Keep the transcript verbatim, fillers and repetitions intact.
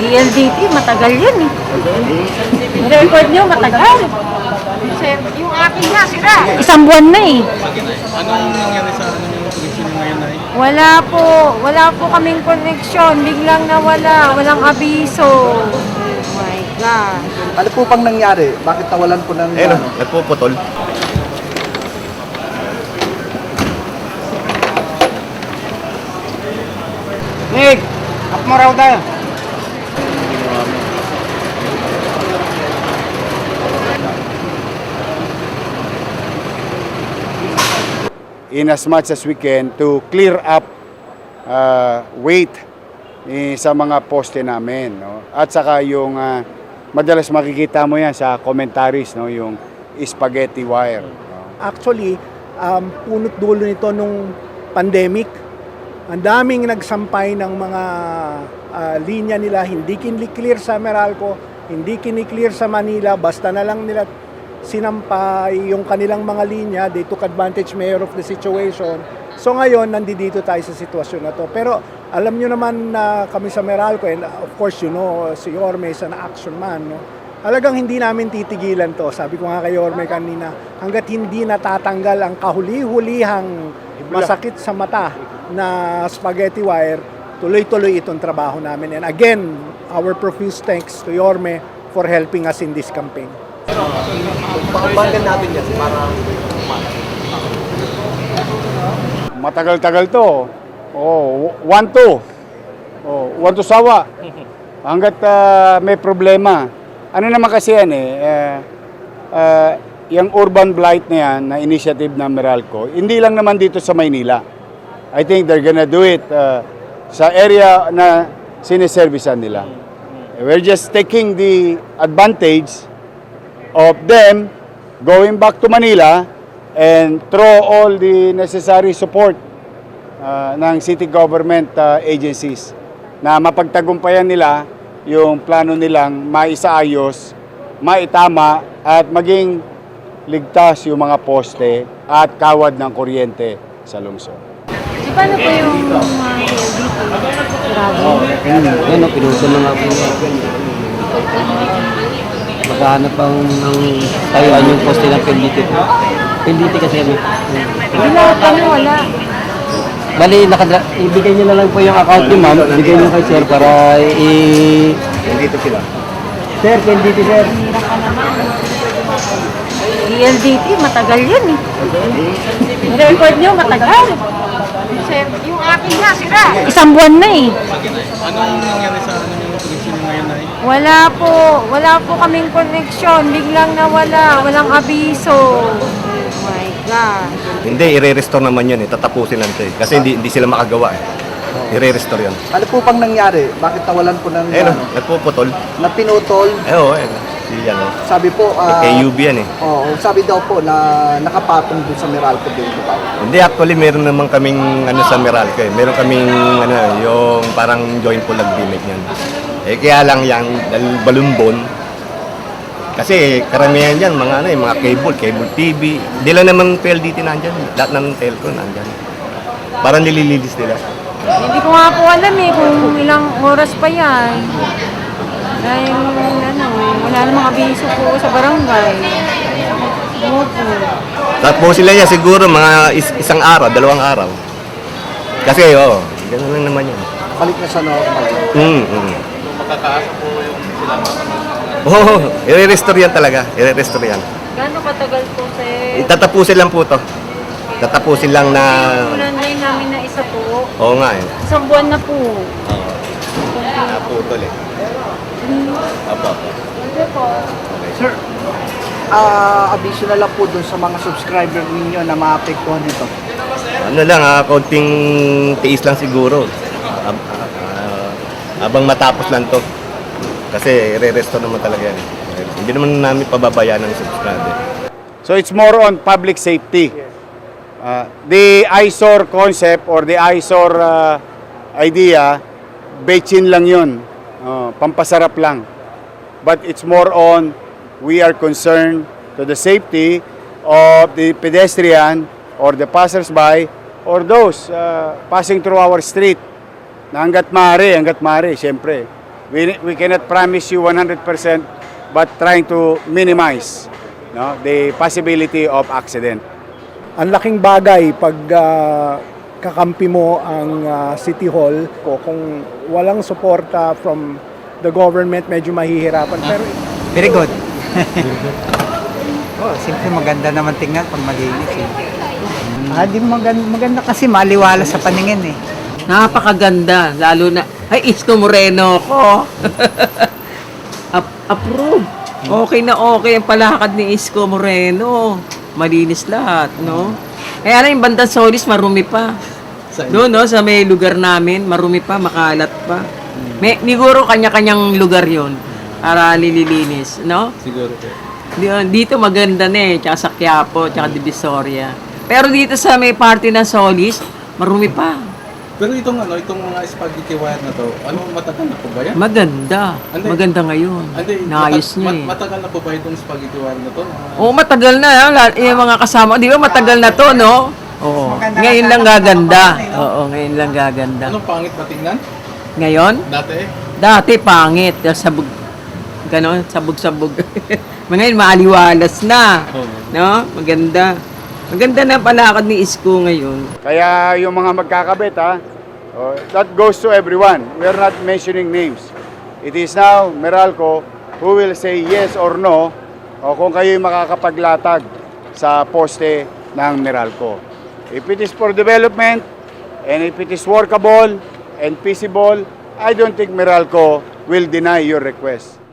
E L D T, matagal yun eh. Record nyo, matagal. Yung akin nga, sira. Isang buwan na eh. Anong nangyari sa ano yung connection ngayon ay? Wala po. Wala po kaming connection. Biglang nawala. Walang abiso. Oh my God. Ano po pang nangyari? Bakit nawalan po ng... Ayun, ano? nagpuputol. Nick, up mo raw tayo. In as much as we can to clear up uh, weight eh, sa mga poste namin, no? At saka yung uh, madalas makikita mo yan sa commentaries, no, yung spaghetti wire, no? Actually, um, punot dulo nito nung pandemic. Ang daming nagsampay ng mga uh, linya nila, hindi kiniklear sa Meralco, hindi kiniklear sa Manila, basta na lang nila sinampay yung kanilang mga linya. They took advantage, mayor, of the situation. So ngayon, nandito tayo sa sitwasyon na to. Pero alam nyo naman na kami sa Meralco, and of course, you know, si Yorme is an action man, no? Talagang hindi namin titigilan to. Sabi ko nga kay Yorme kanina, hanggat hindi natatanggal ang kahuli-hulihang masakit sa mata na spaghetti wire, tuloy-tuloy itong trabaho namin. And again, our profuse thanks to Yorme for helping us in this campaign. Pakabanggan natin yan para... Matagal-tagal to. Oh, one to. Oh, one to sawa. Hanggat uh, may problema. Ano naman kasi yan eh, uh, uh, yung urban blight na yan, na initiative ng Meralco, hindi lang naman dito sa Maynila. I think they're gonna do it uh, sa area na siniservisan nila. We're just taking the advantage of them going back to Manila and throw all the necessary support uh, ng city government uh, agencies na mapagtagumpayan nila yung plano nilang maisaayos, maitama at maging ligtas yung mga poste at kawad ng kuryente sa lungsod. Di ba na po yung mga E L D T? Grabe. Yan o, pinutol na nga po. Maghahanap ang ng tayuan yung poste ng P L D T. P L D T kasi ano. Hindi na kami wala. Bali, nakadra- ibigay niyo na lang po yung account ni ma'am. Ibigay niyo kay sir para i... Nandito sila. Sir, P L D T sir. E L D T, matagal yun eh. Record nyo, matagal. Yung akin nga, sira. Isang buwan na eh. Anong nangyari sa ano yung connection ngayon ay? Wala po. Wala po kaming connection. Biglang nawala. Walang abiso. Oh my God. Hindi, i-restore naman yun eh. Tatapusin lang ito eh. Kasi hindi, hindi sila makagawa eh. I-restore yun. Ano po pang nangyari? Bakit nawalan po ng... Ayun, ano, nagpuputol. na pinutol? Eh, oo, eh. Si yan eh. Sabi po... ah, K U B yan eh. Oo, sabi daw po na nakapatong dun sa Meralco din po daw. Hindi, actually, meron naman kaming ano sa Meralco eh. Meron kaming ano, yung parang joint pool agreement yan. Eh, kaya lang yan, dahil balumbon. Kasi karamihan dyan, mga ano eh, mga cable, cable T V. Hindi lang naman P L D T nandyan. Lahat ng telco nandyan. Parang nilililis nila. Hindi ko nga po alam eh kung ilang oras pa yan. Dahil ano, wala namang abiso po sa barangay. Opo. Tapos sila niya siguro mga is- isang araw, dalawang araw. Kasi oo, gano'n lang naman yan. Balik na sa normal. Mm, mm. Makakaasa po yung sila mga Oo, oh, i-restore yan talaga. I-restore yan. Gano'ng katagal po sir? Itatapusin lang po to. Tatapusin lang na... Ulan na yun namin na isa po. Oo nga eh. Isang buwan na po. Oo. Naputol eh. Opo. Sir, ah abiso na lang po dun sa mga subscriber ninyo na maapektuhan nito. Ano lang ha, konting tiis lang siguro. Ab- ah, abang matapos lang to. Kasi i-restore naman talaga yan. eh. Hindi naman namin pababayaan ng subscriber. So it's more on public safety. Uh, the eyesore concept or the eyesore uh, idea, betchin lang yun. Uh, pampasarap lang. But it's more on, we are concerned to the safety of the pedestrian or the passers-by or those uh, passing through our street. Na hanggat maaari, hanggat maaari, siyempre. we, we cannot promise you one hundred percent, but trying to minimize no, the possibility of accident. Ang laking bagay pag ah, kakampi mo ang ah, City Hall ko. Kung walang suporta from the government, medyo mahihirapan. Pero Very good. oh, siyempre maganda naman tingnan pag malinis eh. Ah, di maganda, maganda kasi maliwala sa paningin eh. Napakaganda, lalo na, ay, Isko Moreno ko. Ap- approve. Okay na okay ang palakad ni Isko Moreno. Malinis lahat, no? Kaya na yung bandang Solis, marumi pa. Doon, no, sa may lugar namin, marumi pa, makalat pa. May, siguro kanya-kanyang lugar yon para nililinis, no? Siguro po. Di- Dito maganda na eh, tsaka sa Quiapo, tsaka Divisoria. Pero dito sa may party ng Solis, marumi pa. Pero itong ano, itong mga spaghetti wire na to, ano, matagal na po ba yan? Maganda. Ande. Maganda ngayon. Ande, Naayos mata- niya mat- eh. Matagal na po ba itong spaghetti wire na to? Oo, matagal na. ah. La- Yung mga kasama, di ba matagal na to, no? Oo. Ngayon lang gaganda. Oo, ngayon lang gaganda. Anong pangit ba tingnan? Ngayon, Dati eh. dati pangit. Sabog, ganon, sabog-sabog. Ngayon, maaliwalas na. Oo. No? Maganda. Maganda na palakad ni Isko ngayon. Kaya yung mga magkakabit, ha, oh, that goes to everyone. We are not mentioning names. It is now Meralco who will say yes or no o kung kayo'y makakapaglatag sa poste ng Meralco. If it is for development and if it is workable and feasible, I don't think Meralco will deny your request.